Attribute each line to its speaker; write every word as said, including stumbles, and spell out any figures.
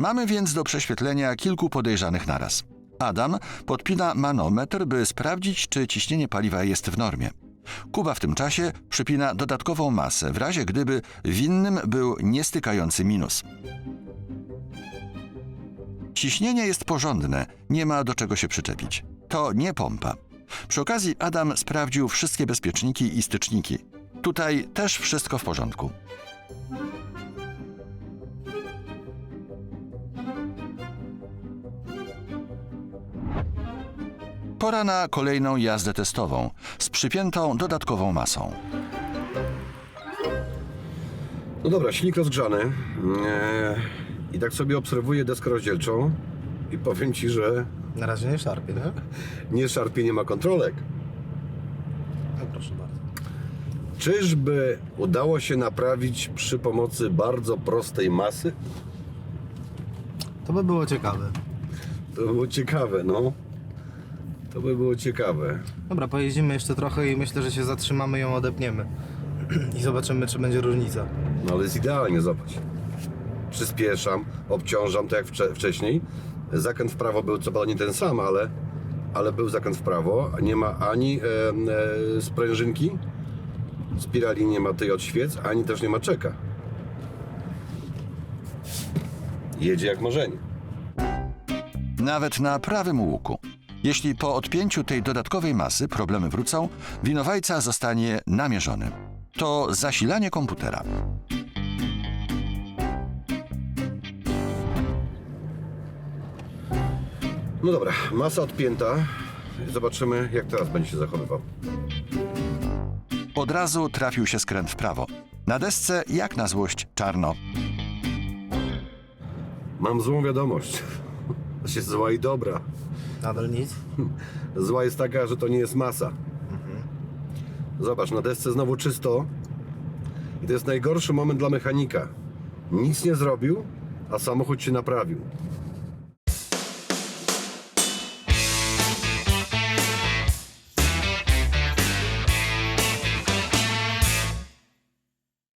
Speaker 1: Mamy więc do prześwietlenia kilku podejrzanych naraz. Adam podpina manometr, by sprawdzić, czy ciśnienie paliwa jest w normie. Kuba w tym czasie przypina dodatkową masę, w razie gdyby winnym był niestykający minus. Ciśnienie jest porządne, nie ma do czego się przyczepić. To nie pompa. Przy okazji Adam sprawdził wszystkie bezpieczniki i styczniki. Tutaj też wszystko w porządku. Pora na kolejną jazdę testową z przypiętą dodatkową masą.
Speaker 2: No dobra, silnik rozgrzany. Eee, I tak sobie obserwuję deskę rozdzielczą i powiem Ci, że
Speaker 3: Na razie nie szarpie, tak?
Speaker 2: nie szarpie, nie ma kontrolek.
Speaker 3: No proszę bardzo.
Speaker 2: Czyżby udało się naprawić przy pomocy bardzo prostej masy?
Speaker 3: To by było ciekawe.
Speaker 2: To by było ciekawe, no. To by było ciekawe.
Speaker 3: Dobra, pojeździmy jeszcze trochę i myślę, że się zatrzymamy i ją odepniemy. I zobaczymy, czy będzie różnica.
Speaker 2: No ale jest idealnie, zobacz. Przyspieszam, obciążam, tak jak wcze- wcześniej. Zakręt w prawo był co prawda nie ten sam, ale, ale był zakręt w prawo. Nie ma ani e, e, sprężynki, spirali nie ma tej od świec, ani też nie ma czeka. Jedzie jak marzenie.
Speaker 1: Nawet na prawym łuku. Jeśli po odpięciu tej dodatkowej masy problemy wrócą, winowajca zostanie namierzony. To zasilanie komputera.
Speaker 2: No dobra, masa odpięta. Zobaczymy, jak teraz będzie się zachowywał.
Speaker 1: Od razu trafił się skręt w prawo. Na desce, jak na złość, czarno.
Speaker 2: Mam złą wiadomość. Znaczy zła i dobra.
Speaker 3: Nadal nic?
Speaker 2: Zła jest taka, że to nie jest masa. Zobacz, na desce znowu czysto. I to jest najgorszy moment dla mechanika. Nic nie zrobił, a samochód się naprawił.